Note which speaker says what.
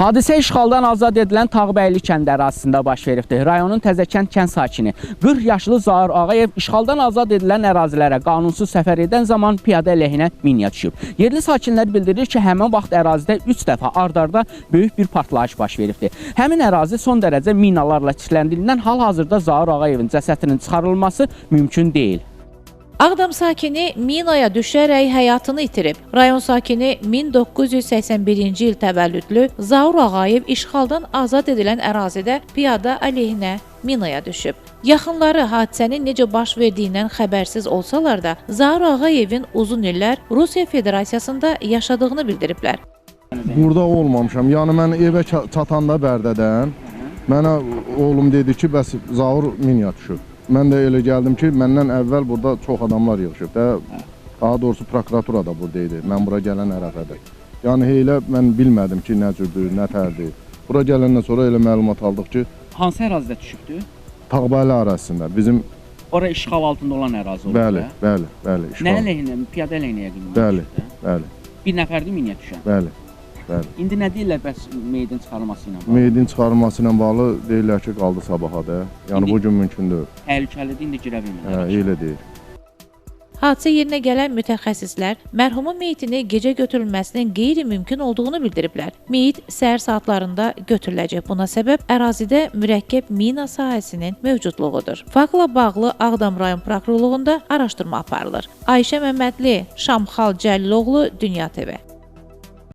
Speaker 1: Hadisə işğaldan azad edilən Tağbəyli kəndi ərazisində baş veribdir. Rayonun Təzəkənd kənd sakini 40 yaşlı Zaur Ağayev işğaldan azad edilən ərazilərə qanunsuz səfər edən zaman piyada əleyhinə minaya düşüb. Yerli sakinlər bildirir ki, həmin vaxt ərazidə 3 dəfə ard-arda böyük bir partlayış baş veribdir. Həmin ərazi son dərəcə minalarla çirkləndirildiyindən hal-hazırda Zaur Ağayevin cəsədinin çıxarılması mümkün deyil.
Speaker 2: Ağdam sakini minaya düşərək həyatını itirib. Rayon sakini 1981-ci il təvəllüdlü Zaur Ağayev işğaldan azad edilən ərazidə piyada əleyhinə minaya düşüb. Yaxınları hadisənin necə baş verdiyindən xəbərsiz olsalar da, Zaur Ağayevin uzun illər Rusiya Federasiyasında yaşadığını bildiriblər.
Speaker 3: Burada olmamışam. Yəni mən evə çatanda Bərdədən mənə oğlum dedi ki, bəs Zaur minaya düşüb. Mən də elə gəldim ki, məndən əvvəl burada çox adamlar yığışıb da, daha doğrusu prokuratura da buradaydı, mən bura gələn ərəfədə. Yəni elə mən bilmədim ki, nə cürdür, nə tərdir. Bura gələndən sonra elə məlumat aldıq ki,
Speaker 1: Hansı ərazidə düşübdü?
Speaker 3: Tağbəyli ərazisində, bizim...
Speaker 1: Ora işğal altında olan ərazi oldu.
Speaker 3: Bəli.
Speaker 1: Nə əleyhinə, piyada əleyhinə yəqin?
Speaker 3: Bəli.
Speaker 1: Bir nəfərdir minaya düşən?
Speaker 3: Bəli.
Speaker 1: İndi nə deyirlər bəs meydin çıxarılması ilə bağlı?
Speaker 3: Meydin çıxarılması ilə bağlı deyirlər ki, qaldı sabaha da. Yəni bu gün mümkün deyil.
Speaker 1: Təhlükəlidir, indi girə bilmirlər.
Speaker 3: Elə deyil.
Speaker 2: Hadisə yerinə gələn mütəxəssislər mərhumun meyitini gecə götürülməsinin qeyri-mümkün olduğunu bildiriblər. Meyit səhər saatlarında götürüləcək. Buna səbəb ərazidə mürəkkəb mina sahəsinin mövcudluğudur. Faktla bağlı Ağdam rayon prokurorluğunda araşdırma aparılır. Ayşə Məmmədli, Şamxal Cəlliloğlu, Dünya TV.